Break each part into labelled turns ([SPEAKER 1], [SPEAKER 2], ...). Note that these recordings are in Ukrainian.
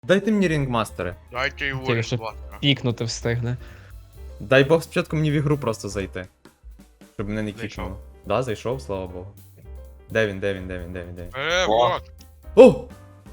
[SPEAKER 1] Дайте мені рінгмастери.
[SPEAKER 2] Дайте його
[SPEAKER 3] Тільки що
[SPEAKER 2] рекламу.
[SPEAKER 3] пікнути встигне.
[SPEAKER 1] Дай Бог спочатку мені в ігру просто зайти. Щоб мене не
[SPEAKER 2] Зайшов.
[SPEAKER 1] кікнуло. Да, зайшов, слава Богу. Де він?
[SPEAKER 2] Вот.
[SPEAKER 1] О!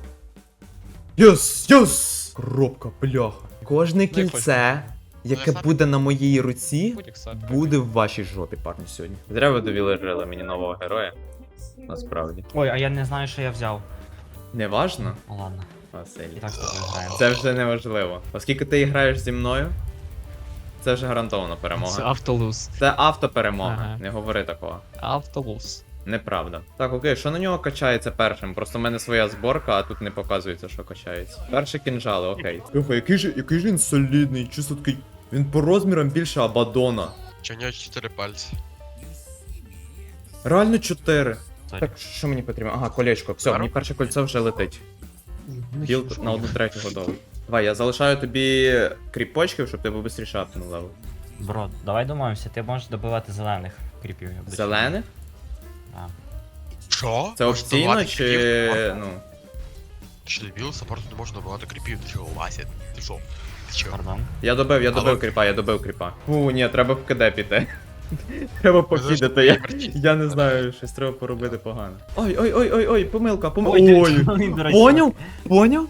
[SPEAKER 1] Єс! Єс! Коробка, бляха. Кожне кільце, яке
[SPEAKER 2] Ну,
[SPEAKER 1] буде на моїй руці,
[SPEAKER 3] Будь-як сад.
[SPEAKER 1] буде в вашій жопі, парні, сьогодні. Зря ви довірили мені нового героя. Насправді.
[SPEAKER 4] Ой, а я не знаю, що я взяв.
[SPEAKER 1] Неважно,
[SPEAKER 4] Ну ладно,
[SPEAKER 1] Василь.
[SPEAKER 4] і так з тобою граємо.
[SPEAKER 1] Це вже не важливо. Оскільки ти граєш зі мною, це вже гарантована
[SPEAKER 3] Це
[SPEAKER 1] перемога.
[SPEAKER 3] автолуз.
[SPEAKER 1] Це автоперемога.
[SPEAKER 3] Ага.
[SPEAKER 1] Не говори такого.
[SPEAKER 3] Автолуз.
[SPEAKER 1] Неправда. Так, окей, що на нього качається першим? Просто в мене своя зборка, а тут не показується, що качається. Перші кінжали, окей. Слухай, який же він солідний, чисто такий. Він по розмірам більше Абадона.
[SPEAKER 2] Чи у нього 4 пальці?
[SPEAKER 1] Реально 4.
[SPEAKER 4] Сорі.
[SPEAKER 1] Так, що мені потрібно? Ага, колечко. Все, мені перше кольцо вже летить. Білд на 1/3 готовий. Давай, я залишаю тобі кріпочків, щоб ти був швидше апнув левел.
[SPEAKER 4] Бро, давай домовимося, ти можеш добивати зелених кріпів. я буду
[SPEAKER 1] Зелених?
[SPEAKER 4] Да.
[SPEAKER 2] Що?
[SPEAKER 1] Це
[SPEAKER 2] Можеш
[SPEAKER 1] опційно
[SPEAKER 2] добивати
[SPEAKER 1] чи.
[SPEAKER 2] кріпів?
[SPEAKER 1] ну.
[SPEAKER 2] Ти що, дебіл? Саппорту не можна добивати кріпів. Ти що, Вася? Ти що? Ти що?
[SPEAKER 4] Пардон.
[SPEAKER 1] Я добив
[SPEAKER 2] Алло.
[SPEAKER 1] кріпа. Фу, ні, треба в КД піти. Треба пофідати, я не знаю, щось треба поробити погано. Ой, помилка. Ой,
[SPEAKER 4] Він, до речі,
[SPEAKER 1] Поняв?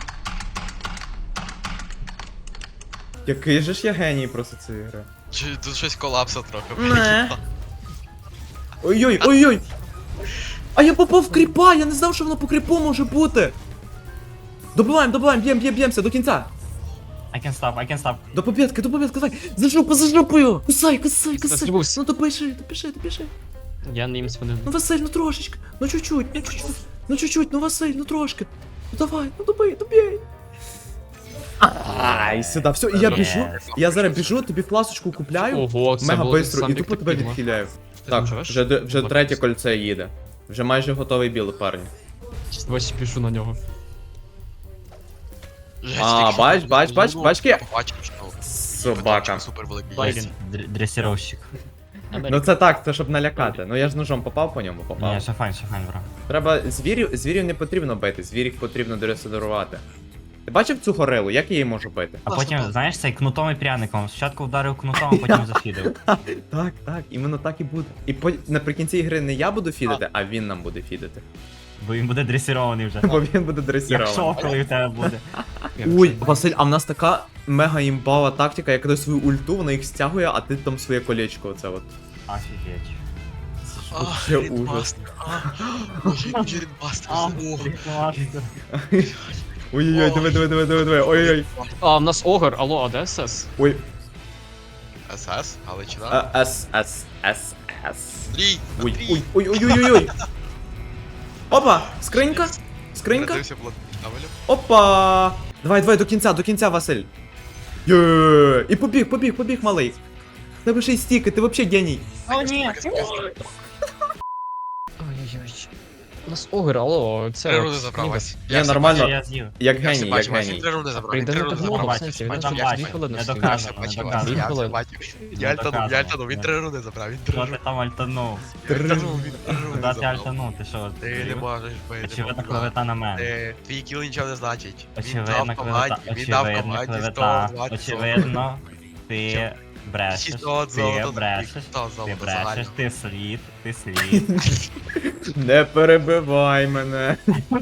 [SPEAKER 1] Який же ж я геній просто цієї гри.
[SPEAKER 2] Чи тут щось колапса трохи?
[SPEAKER 1] Не. Ой. А я попав в кріпа, я не знав, що воно по кріпу може бути. Добиваємо, б'ємося до кінця.
[SPEAKER 4] I can stop.
[SPEAKER 1] До побєдки, давай. За жопою. Кусай.
[SPEAKER 3] Застрибувся.
[SPEAKER 1] Ну допиши.
[SPEAKER 3] Я не їм свинину.
[SPEAKER 1] Ну Василь, ну трошечки. Ну чуть-чуть, ну Василь, ну трошки. Ну давай, ну добий. Ай, сюди, все, і я біжу. Я зараз біжу, тобі фласочку купляю.
[SPEAKER 3] Ого, це
[SPEAKER 1] Мега
[SPEAKER 3] було
[SPEAKER 1] бистро, і
[SPEAKER 3] сам
[SPEAKER 1] тупо
[SPEAKER 3] як
[SPEAKER 1] тебе
[SPEAKER 3] підло.
[SPEAKER 1] відхиляю.
[SPEAKER 3] Ти
[SPEAKER 1] Так,
[SPEAKER 3] там живеш?
[SPEAKER 1] вже третє кольце їде. Вже майже готовий білий, парні.
[SPEAKER 3] Ось пішу на нього.
[SPEAKER 1] А, бачки?
[SPEAKER 2] Побачив, що
[SPEAKER 1] Собака.
[SPEAKER 2] супер великий
[SPEAKER 4] Ой,
[SPEAKER 2] є.
[SPEAKER 4] він дресіровщик.
[SPEAKER 1] Ну це так, це щоб налякати. Ну я ж ножом попав по ньому,
[SPEAKER 4] Ні,
[SPEAKER 1] попав.
[SPEAKER 4] ще файн, бро.
[SPEAKER 1] Треба звірів не потрібно бити, звірів потрібно дресирувати. Ти бачив цю горилу? Як я її можу бити?
[SPEAKER 4] А потім, знаєш, цей кнутом і пряником. Спочатку вдарив кнутом, а потім зафідив.
[SPEAKER 1] Так, іменно так і буде. І наприкінці ігри не я буду фідити, а він нам буде фідити.
[SPEAKER 4] Бо він буде дресірований вже.
[SPEAKER 1] Бо він буде
[SPEAKER 4] Як
[SPEAKER 1] дресирований.
[SPEAKER 4] шов, коли в тебе буде.
[SPEAKER 1] Ой, Василь, а в нас така мега імбава тактика, як дає свою ульту, вона їх стягує, а ти там своє колечко, оце от.
[SPEAKER 4] Офігеть.
[SPEAKER 1] Вообще ужас.
[SPEAKER 2] Боже, рідмастер.
[SPEAKER 1] Ой-ой-ой, диви. Ой-ой.
[SPEAKER 3] А, в нас огр, алло, а де СС?
[SPEAKER 1] Ой.
[SPEAKER 2] СС, Галичина.
[SPEAKER 1] С.
[SPEAKER 2] Стрій,
[SPEAKER 1] Ой. Опа, скринька.
[SPEAKER 2] Родився було Штавелю.
[SPEAKER 1] Опа. Давай, до кінця, Василь. Є. І побіг, малий. Тебе ще й стіки, ти вообще геній.
[SPEAKER 4] О, ні!
[SPEAKER 3] Ой-ой-ой. У нас огр, алло, це...
[SPEAKER 2] 3 руни забрав, Вась.
[SPEAKER 1] Я нормально.
[SPEAKER 4] Я з'їв.
[SPEAKER 1] Як
[SPEAKER 2] Я все
[SPEAKER 1] геній,
[SPEAKER 2] бачив, Вась, 3 руни забрав.
[SPEAKER 3] Прийде
[SPEAKER 2] Три
[SPEAKER 3] не
[SPEAKER 2] руни
[SPEAKER 3] так
[SPEAKER 2] забрав.
[SPEAKER 3] много, в
[SPEAKER 4] Бачиш,
[SPEAKER 3] сенсі, він
[SPEAKER 4] потім
[SPEAKER 3] вже
[SPEAKER 4] бачиш.
[SPEAKER 3] 2 хвилини
[SPEAKER 4] Не
[SPEAKER 3] стоїть.
[SPEAKER 2] Я все
[SPEAKER 4] доказано,
[SPEAKER 2] бачив,
[SPEAKER 4] не
[SPEAKER 2] Вась.
[SPEAKER 3] Дві
[SPEAKER 2] Я все
[SPEAKER 3] хвилини.
[SPEAKER 2] бачив.
[SPEAKER 4] Не доказано,
[SPEAKER 2] Я альтанув, він
[SPEAKER 4] не.
[SPEAKER 2] 3 руни забрав. Він 3
[SPEAKER 4] Що ти
[SPEAKER 2] руни.
[SPEAKER 4] там альтанув?
[SPEAKER 2] Я альтанув, він 3 руни
[SPEAKER 4] Куди ти
[SPEAKER 2] забрав.
[SPEAKER 4] альтанув? Ти що?
[SPEAKER 2] Ти не можеш бити.
[SPEAKER 4] Очевидно, клевета на мене.
[SPEAKER 2] Твій кіл нічого не значить. Він на
[SPEAKER 4] Очевидно,
[SPEAKER 2] автоматі,
[SPEAKER 4] клевета.
[SPEAKER 2] він на
[SPEAKER 4] Очевидно,
[SPEAKER 2] автоматі
[SPEAKER 4] клевета.
[SPEAKER 2] 120.
[SPEAKER 4] Очевидно, ти брешеш.
[SPEAKER 2] 600
[SPEAKER 4] Ти
[SPEAKER 2] золота,
[SPEAKER 4] брешеш.
[SPEAKER 2] 600
[SPEAKER 4] Ти
[SPEAKER 2] золота
[SPEAKER 4] брешеш,
[SPEAKER 2] загально.
[SPEAKER 4] ти слід.
[SPEAKER 1] Не перебивай мене.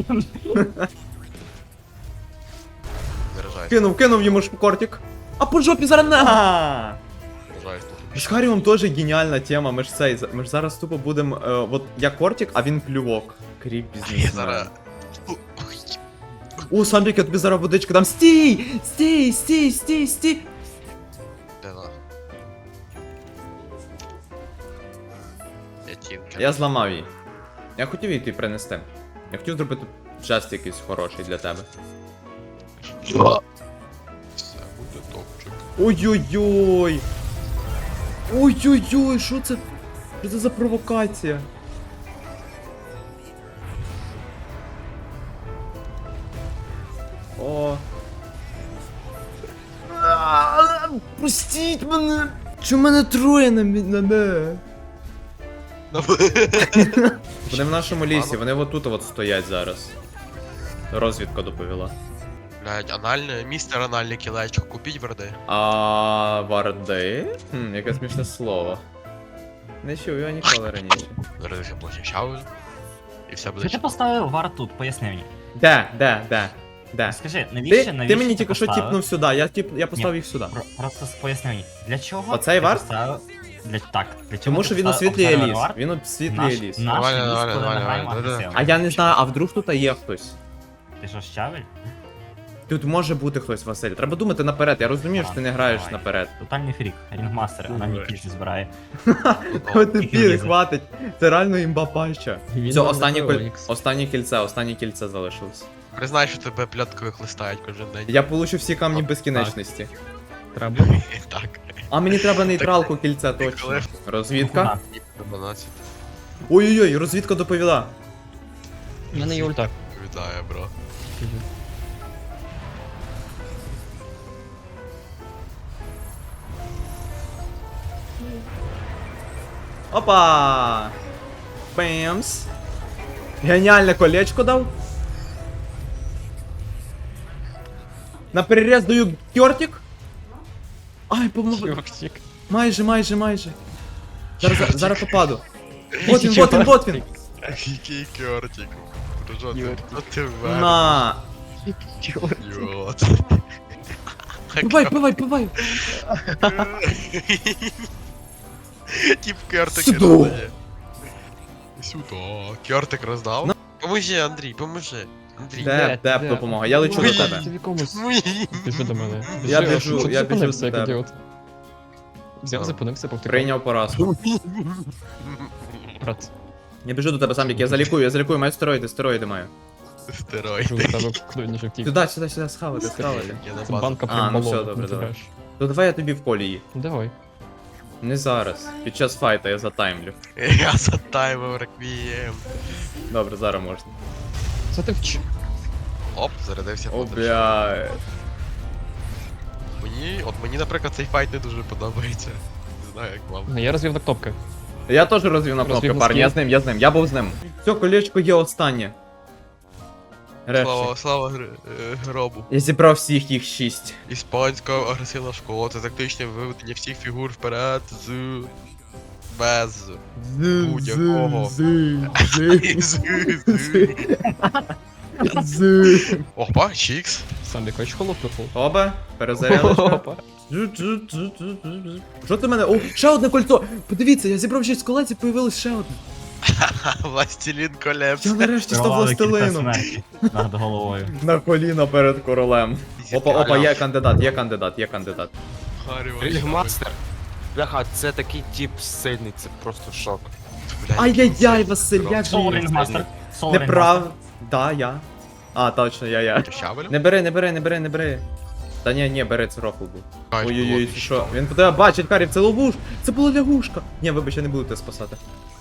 [SPEAKER 2] Виражаюсь.
[SPEAKER 1] Кинув йому шпкортик. А по жопі зараз на.
[SPEAKER 2] Виражаюсь тут.
[SPEAKER 1] З Харіум теж геніальна тема. Ми ж зараз тупо будемо. От я кортик, а він плювок. Кріп
[SPEAKER 2] Я
[SPEAKER 1] бізнесмен.
[SPEAKER 2] зараз...
[SPEAKER 1] О, Самбік, я тобі зараз водичку дам. Стій!
[SPEAKER 2] Де на? Я тінка.
[SPEAKER 1] Я зламав її. Я хотів її тобі принести. Я хотів зробити жест якийсь хороший для тебе.
[SPEAKER 2] Все буде топчик.
[SPEAKER 1] Ой-ой-ой! Ой-ой-ой, що це? Що це за провокація? О. Пустіть мене! Чому мене троє на мене? Вони в нашому лісі, вони отут от стоять зараз. Розвідка доповіла.
[SPEAKER 2] Блядь, анальне, містер анальне кілечко, купіть верди.
[SPEAKER 1] А варди? Яке смішне слово. Не чув його ніколи раніше.
[SPEAKER 2] Верди потім щавель. І все буде
[SPEAKER 4] Що ти поставив вард тут? Поясни мені.
[SPEAKER 1] Де?
[SPEAKER 4] Скажи, навіщо,
[SPEAKER 1] Ти мені тільки що
[SPEAKER 4] поставив?
[SPEAKER 1] тіпнув сюди, я поставив їх сюди.
[SPEAKER 4] Просто поясни мені, для чого
[SPEAKER 1] Оцей
[SPEAKER 4] ти
[SPEAKER 1] вард?
[SPEAKER 4] поставив- Так, для чого
[SPEAKER 1] Тому
[SPEAKER 4] ти
[SPEAKER 1] що він
[SPEAKER 4] поставив
[SPEAKER 1] освітлює
[SPEAKER 4] обзорний
[SPEAKER 1] ліс.
[SPEAKER 4] вард?
[SPEAKER 1] Він освітлює
[SPEAKER 4] Наш
[SPEAKER 1] ліс.
[SPEAKER 4] ліс,
[SPEAKER 2] Нормально,
[SPEAKER 4] коли
[SPEAKER 2] нормально,
[SPEAKER 4] ми
[SPEAKER 2] нормально,
[SPEAKER 4] граємо
[SPEAKER 2] нормально.
[SPEAKER 4] агресивно.
[SPEAKER 1] А я не знаю, а вдруг тут є хтось?
[SPEAKER 4] Ти що, щавель?
[SPEAKER 1] Тут може бути хтось, Василь. Треба думати наперед. Я розумію, що ти не граєш
[SPEAKER 4] Давай.
[SPEAKER 1] наперед.
[SPEAKER 4] Тотальний фрік, рінгмастер, а нам
[SPEAKER 1] Давай.
[SPEAKER 4] кільці збирає.
[SPEAKER 1] От
[SPEAKER 4] тільки
[SPEAKER 1] тепер
[SPEAKER 4] влізе.
[SPEAKER 1] хватить. Це реально імба паща.
[SPEAKER 3] Він
[SPEAKER 1] Все,
[SPEAKER 3] нам
[SPEAKER 1] останнє,
[SPEAKER 3] не Феонікс.
[SPEAKER 1] останнє кільце залишилось.
[SPEAKER 2] Признай, що тебе пляткових листають кожен день.
[SPEAKER 1] Я получу всі камні безкінечності.
[SPEAKER 3] Треба.
[SPEAKER 2] Так.
[SPEAKER 1] А мені треба нейтралку кільця точно.
[SPEAKER 2] коли-
[SPEAKER 1] Розвідка.
[SPEAKER 2] 12.
[SPEAKER 1] Ой-ой-ой, розвідка доповіла.
[SPEAKER 3] У мене є ульта.
[SPEAKER 2] Вітаю, бро.
[SPEAKER 1] Опа! Бемс. Геніальне колечко дав. На перерез даю кьортик. Ай,
[SPEAKER 3] Чувак,
[SPEAKER 1] майже. Зараз попаду. Вот він.
[SPEAKER 2] Який кертик. Дружок,
[SPEAKER 3] Кьортик.
[SPEAKER 2] ну ти вер.
[SPEAKER 1] На.
[SPEAKER 2] Йот.
[SPEAKER 1] Пивай.
[SPEAKER 2] Тип кертик
[SPEAKER 1] Сюди.
[SPEAKER 2] роздає. Сюди. Кертик роздав? Поможи, Андрій, поможи. Андрій.
[SPEAKER 1] Де допомога? Я лечу до
[SPEAKER 2] Ой.
[SPEAKER 1] тебе.
[SPEAKER 3] Ти в якомусь.
[SPEAKER 2] Ой.
[SPEAKER 3] Біжи до мене.
[SPEAKER 1] Я
[SPEAKER 3] Біжи,
[SPEAKER 1] біжу,
[SPEAKER 3] що ти
[SPEAKER 1] я біжу
[SPEAKER 3] зупинився,
[SPEAKER 1] до
[SPEAKER 3] як
[SPEAKER 1] тебе.
[SPEAKER 3] ідіот? Взяв, зупинився, повтикав.
[SPEAKER 1] Прийняв поразку.
[SPEAKER 3] Брат,
[SPEAKER 1] Я біжу до тебе, Самбік, я залікую, маю стероїди маю.
[SPEAKER 2] Стероїд.
[SPEAKER 3] кажу до тебе, куди не втік.
[SPEAKER 1] Сюди, схавати.
[SPEAKER 2] Я на
[SPEAKER 3] Це
[SPEAKER 2] базу.
[SPEAKER 3] банка
[SPEAKER 1] А,
[SPEAKER 3] прям
[SPEAKER 1] ну все,
[SPEAKER 3] балон.
[SPEAKER 1] добре,
[SPEAKER 3] не
[SPEAKER 1] давай.
[SPEAKER 3] тираєш.
[SPEAKER 1] То давай я тобі в колі її.
[SPEAKER 3] Давай.
[SPEAKER 1] Не зараз. Під час файта я затаймлю.
[SPEAKER 2] Я затаймив реквієм.
[SPEAKER 1] Добре, зараз можна.
[SPEAKER 3] Це ти вч...
[SPEAKER 2] Оп, зарядився
[SPEAKER 1] О,
[SPEAKER 2] потім.
[SPEAKER 1] бля.
[SPEAKER 2] Мені, наприклад, цей файт не дуже подобається. Не знаю, як вам.
[SPEAKER 3] Ну, я розвів на кнопки.
[SPEAKER 1] Я теж розвів на кнопки,
[SPEAKER 3] Розвів
[SPEAKER 1] парні,
[SPEAKER 3] носки.
[SPEAKER 1] я був з ним. Все, колечко є останнє. Решті.
[SPEAKER 2] Слава гробу.
[SPEAKER 1] Я зібрав всіх їх 6.
[SPEAKER 2] Іспанська агресивна школа це тактичне виведення всіх фігур вперед з. Без. Будь-якого. Опа, чікс.
[SPEAKER 3] Сам якось холопнув.
[SPEAKER 1] Оба, перезарядочка.
[SPEAKER 3] Опа.
[SPEAKER 1] Що ти мене? О, ще одне кольцо! Подивіться, я зібрав 6 колець і появилось ще одне.
[SPEAKER 2] Властелін колепс.
[SPEAKER 1] Я нарешті став
[SPEAKER 4] Керували кілька
[SPEAKER 1] властелином.
[SPEAKER 4] смерті над головою.
[SPEAKER 1] На коліна перед королем. Опа, є кандидат.
[SPEAKER 5] Рігмастер. Бляха, це такий тип сильний, це просто шок.
[SPEAKER 1] Ай-яй-яй, Василь, як же
[SPEAKER 4] Соло
[SPEAKER 1] я?
[SPEAKER 4] рінгмастер.
[SPEAKER 1] Неправ. Да, я. А, точно, я.
[SPEAKER 2] Щавель?
[SPEAKER 1] Не бери. Та ні, бери, це рофл був. Ой-ой-ой, це що? Він по тебе бачить, Карів, це ловуш! Це була лягушка! Ні, вибач, я не буду тебе спасати.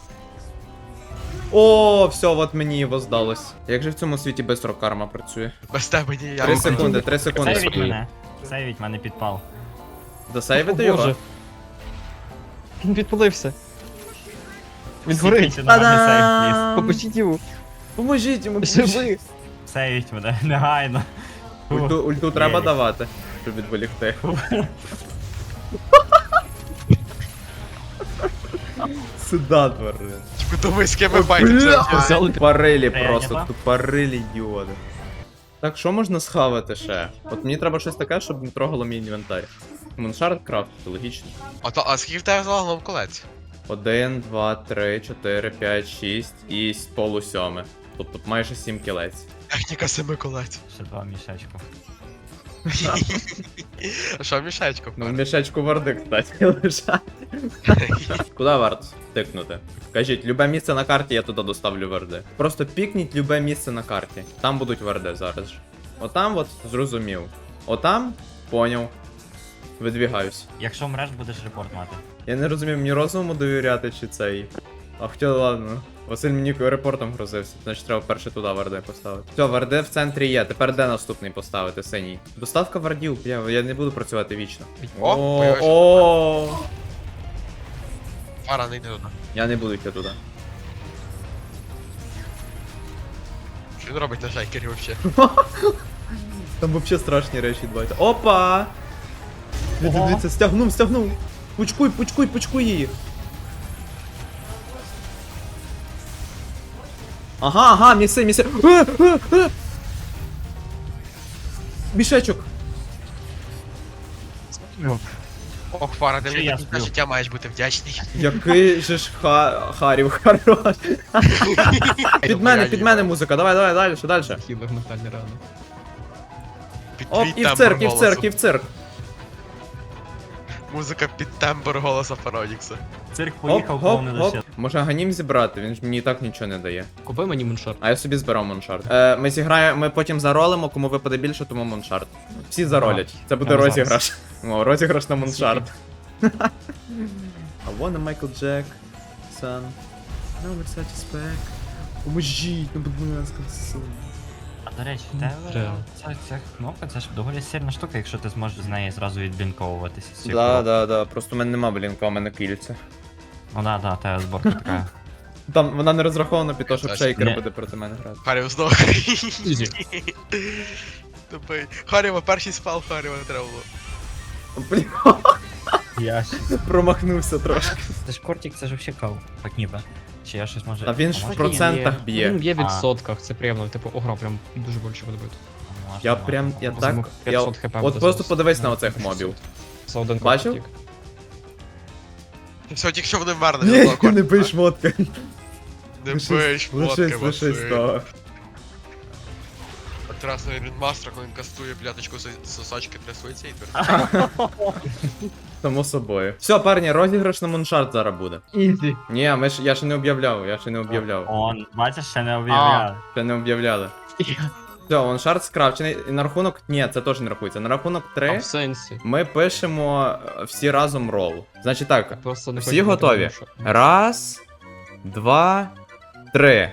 [SPEAKER 1] О, все, от мені його здалось. Як же в цьому світі бистро карма працює?
[SPEAKER 2] Без тебе ніяк.
[SPEAKER 1] 3 секунди.
[SPEAKER 4] Сейвіть мене. Сейвіть мене підпал.
[SPEAKER 1] Досейвити
[SPEAKER 3] О,
[SPEAKER 1] його?
[SPEAKER 3] Боже. Він підпалився. Він
[SPEAKER 4] Всі
[SPEAKER 3] горить.
[SPEAKER 4] кільці на мене сейв,
[SPEAKER 1] Та-дам!
[SPEAKER 3] Попустіть його.
[SPEAKER 1] Поможіть йому,
[SPEAKER 3] Живи.
[SPEAKER 1] поможіть.
[SPEAKER 4] Сейвіть мене, негайно.
[SPEAKER 1] Ульту треба
[SPEAKER 4] Єлі.
[SPEAKER 1] давати, щоб відволікти. Сюда, тварин.
[SPEAKER 2] Ви думаєте, з ким ми байтимося?
[SPEAKER 3] Взяли
[SPEAKER 1] Тупорилі
[SPEAKER 4] Прийнято.
[SPEAKER 1] просто, тупорилі ідіоти. Так, що можна схавати ще? От мені треба щось таке, щоб не трогало мій інвентар. Муншард крафтити, логічно.
[SPEAKER 2] А скільки в тебе загалом колець?
[SPEAKER 1] 1, 2, 3, 4, 5, 6 і полусьоме. Тобто майже 7 кілець.
[SPEAKER 2] Техніка 7 колець.
[SPEAKER 4] Ще два мішечку.
[SPEAKER 2] Що мішечко?
[SPEAKER 1] Ну, в мішечку варди, кстати, лежать. Куди варт тикнути? Кажіть, любе місце на карті, я туди доставлю варди. Просто пікніть любе місце на карті. Там будуть варди зараз ж. Отам от зрозумів. Отам поняв. Видвігаюсь.
[SPEAKER 4] Якщо мреш, будеш репорт мати.
[SPEAKER 1] Я не розумів, мені розуму довіряти чи цей. А хоча ладно. Василь мені репортом грозився, значить треба перше туди варде поставити. Все, варде в центрі є, тепер де наступний поставити, синій? Доставка вардів, я не буду працювати вічно.
[SPEAKER 2] О, появився.
[SPEAKER 1] О,
[SPEAKER 2] Фара, не йди туди.
[SPEAKER 1] я не буду йти туди.
[SPEAKER 2] Що він робить на шайкері вообще?
[SPEAKER 1] Там вообще страшні речі відбуваються. Опа! Дивіться, стягнув. Пучкуй її. Ага, міси. Мішечок.
[SPEAKER 2] Ох, Фара, ти
[SPEAKER 4] Чи
[SPEAKER 2] мені
[SPEAKER 4] я
[SPEAKER 2] так на
[SPEAKER 4] сплю?
[SPEAKER 2] життя маєш бути вдячний.
[SPEAKER 1] Який же ж Харів хорош. Під мене музика, давай, далі.
[SPEAKER 3] Хілер ментальні рани.
[SPEAKER 2] Під
[SPEAKER 1] Оп,
[SPEAKER 2] твій
[SPEAKER 1] і в
[SPEAKER 2] тембр
[SPEAKER 1] цирк.
[SPEAKER 2] голосу. Музика під тембр голоса Фаронікса.
[SPEAKER 4] Цирк поїхав, повний лише.
[SPEAKER 1] Може ганім зібрати, він ж мені і так нічого не дає.
[SPEAKER 3] Купи мені муншарт.
[SPEAKER 1] А я собі збирав Моншарт. Ми потім заролимо, кому випаде більше, тому Моншарт. Всі заролять. Це буде
[SPEAKER 3] Прямо
[SPEAKER 1] розіграш. О, розіграш на Моншарт. I wanna Michael Jackson. No, Versace back. Поможіть, ну будь ласка, сон.
[SPEAKER 4] А до речі, в тебе
[SPEAKER 3] Реально.
[SPEAKER 4] ця кнопка, це ж доволі сильна штука, якщо ти зможеш з неї зразу відблінковуватися. з цієї коробки.
[SPEAKER 1] Да. Просто в мене нема блінка, у мене кільця.
[SPEAKER 4] Ну да, та зборка така.
[SPEAKER 1] Там вона не розрахована під те, щоб
[SPEAKER 2] Точно.
[SPEAKER 1] шейкер
[SPEAKER 4] Не.
[SPEAKER 1] буде проти мене грати.
[SPEAKER 2] Харів здох.
[SPEAKER 3] Ізі.
[SPEAKER 2] Тупий. Харіва, перший спал Харіва не треба було.
[SPEAKER 1] Блін,
[SPEAKER 4] Ясно.
[SPEAKER 1] промахнувся трошки.
[SPEAKER 4] Це ж кортик, це ж вообще кав. Так ніби. Чи я щось може...
[SPEAKER 1] А він ж в
[SPEAKER 4] Може,
[SPEAKER 1] процентах б'є.
[SPEAKER 3] Він б'є в
[SPEAKER 4] А.
[SPEAKER 3] відсотках, це приємно. Типу, огра прям дуже боляче буде бити.
[SPEAKER 1] Я прям, я так,
[SPEAKER 3] Візьму
[SPEAKER 1] я...
[SPEAKER 3] 500 хп
[SPEAKER 1] От
[SPEAKER 3] буде
[SPEAKER 1] просто
[SPEAKER 3] зараз.
[SPEAKER 1] подивись на оцих мобів.
[SPEAKER 3] Це один
[SPEAKER 1] Бачив?
[SPEAKER 3] кортик.
[SPEAKER 2] Все, тільки що вони вмерли.
[SPEAKER 1] Ні, не бий шмотка.
[SPEAKER 2] Не бий шмотки,
[SPEAKER 1] Лишись
[SPEAKER 2] Василь.
[SPEAKER 1] того.
[SPEAKER 2] От раз на Рідмастера, коли він кастує пляточку сосочки трясується і твердо.
[SPEAKER 1] Само собою. Все, парні, розіграш на Моншарт зараз буде.
[SPEAKER 3] Ізі.
[SPEAKER 1] Ні, я ще не об'являв,
[SPEAKER 4] Он, бачиш, ще не об'являли.
[SPEAKER 1] Ще не об'являли. Все, Моншарт скрафчений. І на рахунок. Ні, це теж не рахується. На рахунок
[SPEAKER 3] А
[SPEAKER 1] 3
[SPEAKER 3] в сенсі.
[SPEAKER 1] ми пишемо всі разом рол. Значить так,
[SPEAKER 3] Просто не
[SPEAKER 1] всі
[SPEAKER 3] хочу бути
[SPEAKER 1] готові.
[SPEAKER 3] муншарт.
[SPEAKER 1] Раз, два, три.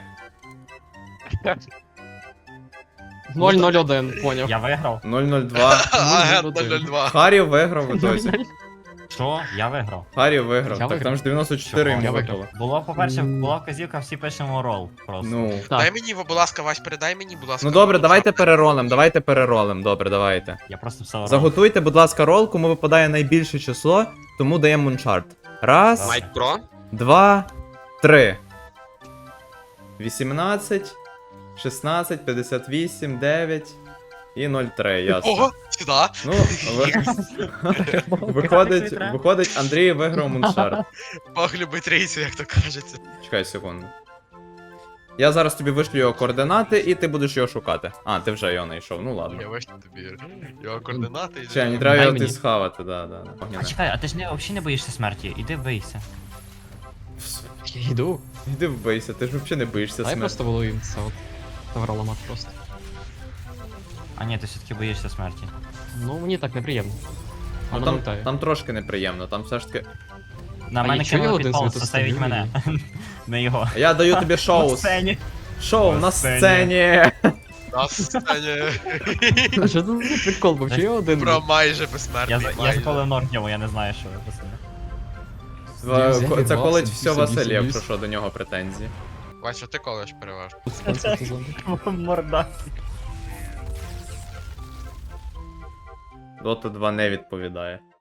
[SPEAKER 3] 001, поняв.
[SPEAKER 4] Я виграв.
[SPEAKER 1] 002.
[SPEAKER 2] Агент
[SPEAKER 3] Ну,
[SPEAKER 2] 02.
[SPEAKER 1] Харів виграв в ітозі.
[SPEAKER 4] Що? Я виграв.
[SPEAKER 1] Харів виграв.
[SPEAKER 3] Я
[SPEAKER 1] Так там
[SPEAKER 3] виграв.
[SPEAKER 1] ж 94
[SPEAKER 3] Я
[SPEAKER 1] йому
[SPEAKER 3] виграв.
[SPEAKER 1] випало.
[SPEAKER 4] Було, по-перше, була вказівка, всі пишемо рол просто.
[SPEAKER 1] Ну.
[SPEAKER 3] Так.
[SPEAKER 2] Дай мені, будь ласка, Вась, передай мені, будь ласка.
[SPEAKER 1] Ну добре, давайте переролем. Добре, давайте.
[SPEAKER 4] Я просто все рол.
[SPEAKER 1] Заготуйте, будь ласка, рол, кому випадає найбільше число, тому даємо Моншарт. Раз,
[SPEAKER 2] Майк Про?
[SPEAKER 1] 2, 3. 18, 16, 58, 9 і 03, ясно.
[SPEAKER 2] Ого, сюди.
[SPEAKER 1] Ну, виходить, Андрій виграв Моншарт.
[SPEAKER 2] Бог любить рейсу, як то кажеться.
[SPEAKER 1] Чекай секунду. Я зараз тобі вишлю його координати, і ти будеш його шукати. А, ти вже його знайшов, ну ладно.
[SPEAKER 2] Я вийшов тобі його координати.
[SPEAKER 1] Ще, мені треба
[SPEAKER 3] Дай
[SPEAKER 1] його
[SPEAKER 3] мені.
[SPEAKER 1] ти схавати, да.
[SPEAKER 4] А
[SPEAKER 1] Огняне.
[SPEAKER 4] чекай, а ти ж взагалі не боїшся смерті? Іди бийся.
[SPEAKER 3] Я йду.
[SPEAKER 1] Іди вбийся, ти ж взагалі не боїшся
[SPEAKER 3] Дай
[SPEAKER 1] смерті.
[SPEAKER 3] просто волоїм це от. Тавроламат просто.
[SPEAKER 4] А ні, ти все-таки боїшся смерті.
[SPEAKER 3] Ну, мені так неприємно.
[SPEAKER 1] Ну,
[SPEAKER 3] Вона летає.
[SPEAKER 1] там трошки неприємно, там все ж таки.
[SPEAKER 4] На
[SPEAKER 3] А
[SPEAKER 4] мене
[SPEAKER 3] нічого, я
[SPEAKER 4] кинули
[SPEAKER 3] один
[SPEAKER 4] підпол,
[SPEAKER 3] звідти
[SPEAKER 4] заставіть
[SPEAKER 3] стою
[SPEAKER 4] мене. Не його.
[SPEAKER 1] Я даю тобі
[SPEAKER 4] На
[SPEAKER 1] шоу.
[SPEAKER 4] сцені.
[SPEAKER 1] Шоу
[SPEAKER 4] На
[SPEAKER 1] на
[SPEAKER 4] сцені.
[SPEAKER 1] сцені.
[SPEAKER 2] На сцені.
[SPEAKER 3] А що це за прикол? Бо чи я один?
[SPEAKER 2] Про майже
[SPEAKER 4] Я
[SPEAKER 2] безсмертний.
[SPEAKER 4] заколив ног в ньому, я не знаю, що ви писали.
[SPEAKER 1] Це
[SPEAKER 3] Василь,
[SPEAKER 1] колить
[SPEAKER 3] собі,
[SPEAKER 1] все
[SPEAKER 3] собі,
[SPEAKER 1] Василь,
[SPEAKER 3] собі.
[SPEAKER 1] якщо що, до нього претензії.
[SPEAKER 2] Вась, що ти колиш переважно?
[SPEAKER 4] Морда.
[SPEAKER 1] Dota 2 не відповідає.